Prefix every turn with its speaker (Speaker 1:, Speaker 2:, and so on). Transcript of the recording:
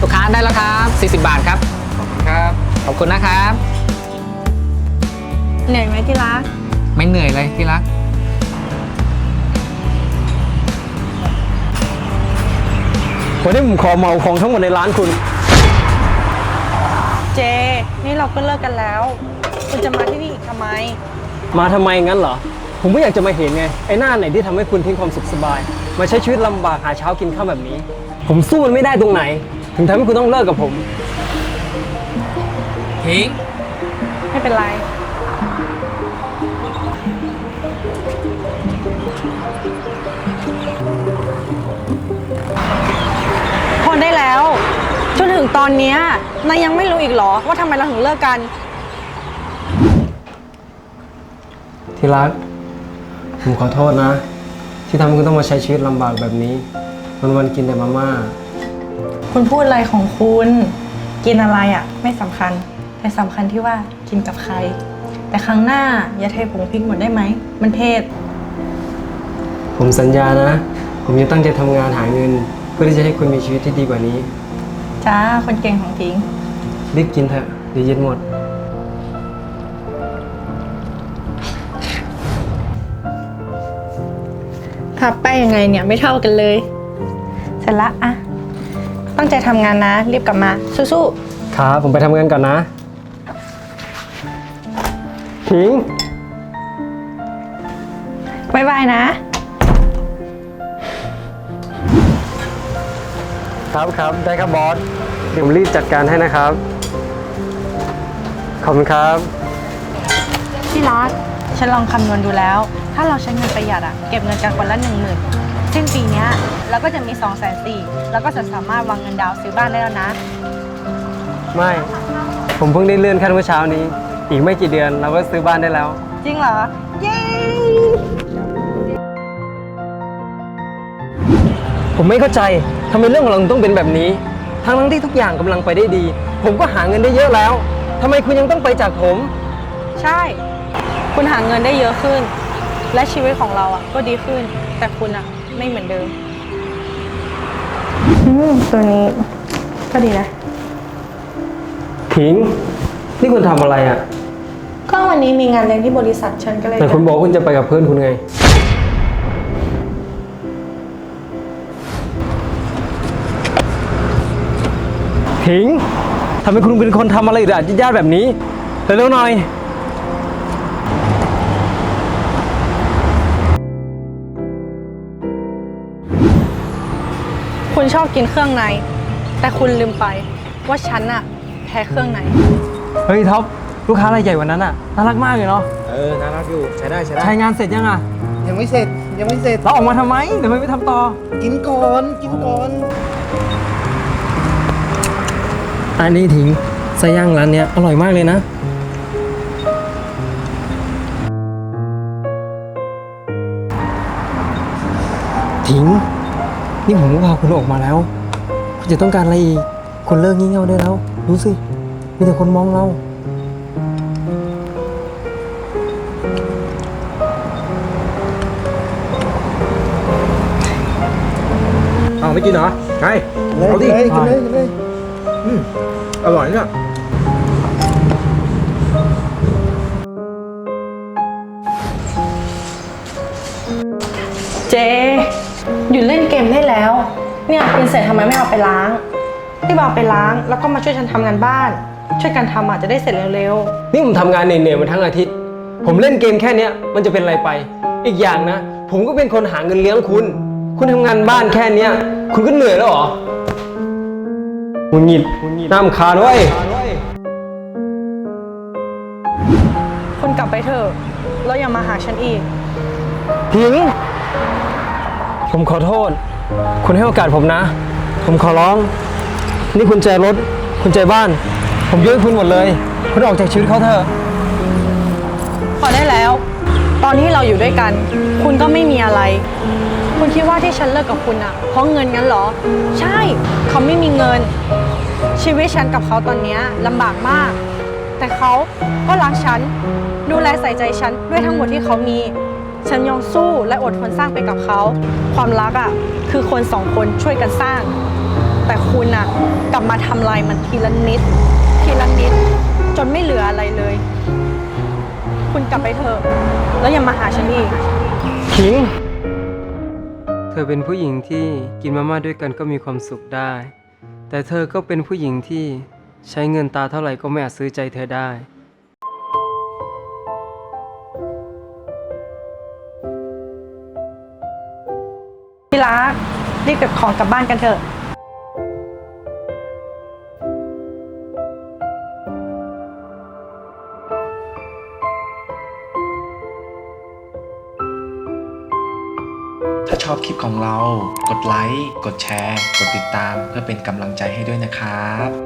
Speaker 1: ลูกค้าได้แล้วครับ40 บาทครับขอบคุณครับขอบคุณนะครับ
Speaker 2: เหนื่อยไหมที่รัก
Speaker 1: ไม่เหนื่อยเลยที่รัก
Speaker 3: วันนี้ผมขอเหมาของทั้งหมดในร้านคุณ
Speaker 2: เจนี่เราก็เลิกกันแล้วคุณจะมาที่นี่อีกทำไม
Speaker 3: มาทำไมงั้นเหรอผมไม่อยากจะมาเห็นไงไอ้หน้าไหนที่ทำให้คุณทิ้งความสุขสบายมาใช้ชีวิตลำบากหาเช้ากินข้าวแบบนี้ผมสู้มันไม่ได้ตรงไหนถึงทำให้คุณต้องเลิกกับผม
Speaker 1: ทิ้ง
Speaker 2: ไม่เป็นไรพอได้แล้วจนถึงตอนนี้นายยังไม่รู้อีกเหรอว่าทำไมเราถึงเลิกกัน
Speaker 3: ที่รักผมขอโทษนะที่ทำให้คุณต้องมาใช้ชีวิตลำบากแบบนี้วันๆกินแต่มาม่า
Speaker 2: คุณพูดอะไรของคุณกินอะไรอ่ะไม่สำคัญแต่สำคัญที่ว่ากินกับใครแต่ครั้งหน้าอย่าเทผงพริกหมดได้ไหมมันเผ็ด
Speaker 3: ผมสัญญานะผมจะตั้งใจทำงานหาเงินเพื่อที่จะให้คุณมีชีวิตที่ดีกว่านี้
Speaker 2: จ้าคนเก่งของทิ้ง
Speaker 3: รีบกินเถอะเดี๋ยวเย็นหมด
Speaker 2: พับไปยังไงเนี่ยไม่เท่ากันเลยเสร็จละอะตั้งใจทำงานนะรีบกลับมาสู้
Speaker 3: ๆครับผมไปทำงานก่อนนะทิ้ง
Speaker 2: บ๊ายบายนะครับ
Speaker 3: ได้ครับบอสเดี๋ยวผมรีบจัดการให้นะครับขอบคุณครับ
Speaker 2: ที่รักฉันลองคำนวณดูแล้วถ้าเราใช้เงินประหยัดอะเก็บเงินกันคนละ10,000สิ้นปีนี้เราก็จะมี240,000แล้วก็จะสามารถวางเงินดาวซื้อบ้านได้แล้วนะ
Speaker 3: ไม่ผมเพิ่งได้เลื่อนขั้นเมื่อเช้านี้อีกไม่กี่เดือนเราก็ซื้อบ้านได้แล้ว
Speaker 2: จริงเหรอเย้
Speaker 3: ผมไม่เข้าใจทำไมเรื่องของเราต้องเป็นแบบนี้ทั้งที่ทุกอย่างกำลังไปได้ดีผมก็หาเงินได้เยอะแล้วทำไมคุณยังต้องไปจากผม
Speaker 2: ใช่คุณหาเงินได้เยอะขึ้นและชีวิตของเราอ่ะก็ดีขึ้นแต่คุณอ่ะไม่เหมือนเดิมตัวนี้ก็ดีนะ
Speaker 3: ทิ้งนี่คุณทำอะไรอ่ะ
Speaker 2: ก็วันนี้มีงานเลี้ยงที่บริษัทฉันก็เลย
Speaker 3: แต่คุณบอกคุณจะไปกับเพื่อนคุณไงทิ้งทำไมคุณเป็นคนทำอะไรด่าญาติแบบนี้เร็วๆหน่อย
Speaker 2: คุณชอบกินเครื่องในแต่คุณลืมไปว่าฉันอะแพ้เครื่องใน
Speaker 3: เฮ้ยท็อปลูกค้ารายใหญ่วันนั้นอะน่ารักมากเลยเนาะ
Speaker 4: น่ารักอยู่ใช้ได้
Speaker 3: ใช้งานเสร็จยังอะ
Speaker 4: ยังไม่เสร็จ
Speaker 3: เราออกมาทำไมเดี๋ยวไม่ทำต่อ
Speaker 4: กินก่อน
Speaker 3: อันนี้ทิ้งไส้ย่างร้านเนี้ยอร่อยมากเลยนะทิ้งนี่ผมก็พาคุณออกมาแล้วคุณจะต้องการอะไรอีกคุณเลิกงี่เง่าได้แล้วดูสิมีแต่คนมองเรา
Speaker 4: ไม่กินเหรอไงเอาดิกินเลยอร่อยเนี่ย
Speaker 2: เจหยุดเล่นเกมได้แล้วเนี่ยกินเสร็จทำไมไม่เอาไปล้างที่เอาไปล้างแล้วก็มาช่วยฉันทำงานบ้านช่วยกันทำอาจจะได้เสร็จเร็ว
Speaker 3: ๆนี่ผมทำงานเหนื่อยๆมาทั้งอาทิตย์ผมเล่นเกมแค่นี้มันจะเป็นอะไรไปอีกอย่างนะผมก็เป็นคนหาเงินเลี้ยงคุณทำงานบ้านแค่นี้คุณก็เหนื่อยแล้วเหรอคุณหงิดน้ำคาด้วย
Speaker 2: คุณกลับไปเถอะแล้วอย่ามาหาฉันอีก
Speaker 3: ทิ้งผมขอโทษคุณให้โอกาสผมนะผมขอร้องนี่คุณใจรถคุณใจบ้านผมยกให้คุณหมดเลยคุณออกจากชีวิตเขาเถอะ
Speaker 2: พอได้แล้วตอนที่เราอยู่ด้วยกันคุณก็ไม่มีอะไรคุณคิดว่าที่ฉันเลิกกับคุณอะเพราะเงินงั้นเหรอใช่เขาไม่มีเงินชีวิตฉันกับเขาตอนนี้ลำบากมากแต่เขาก็รักฉันดูแลใส่ใจฉันด้วยทั้งหมดที่เขามีฉันยอมสู้และอดทนสร้างไปกับเขาความรักอะคือคน2 คนช่วยกันสร้างแต่คุณอะกลับมาทำลายมันทีละนิด ทีละนิด จนไม่เหลืออะไรเลย คุณกลับไปเถอะ แล้วอย่ามาหาฉันอีก
Speaker 3: ขิง เธอเป็นผู้หญิงที่กินมาม่าด้วยกันก็มีความสุขได้ แต่เธอก็เป็นผู้หญิงที่ใช้เงินตาเท่าไหร่ก็ไม่อาจซื้อใจเธอได้
Speaker 2: ที่รักรีบเก็บของกลับบ้านกันเถอะ
Speaker 5: ถ้าชอบคลิปของเรา กดไลค์ กดแชร์ กดติดตามเพื่อเป็นกำลังใจให้ด้วยนะครับ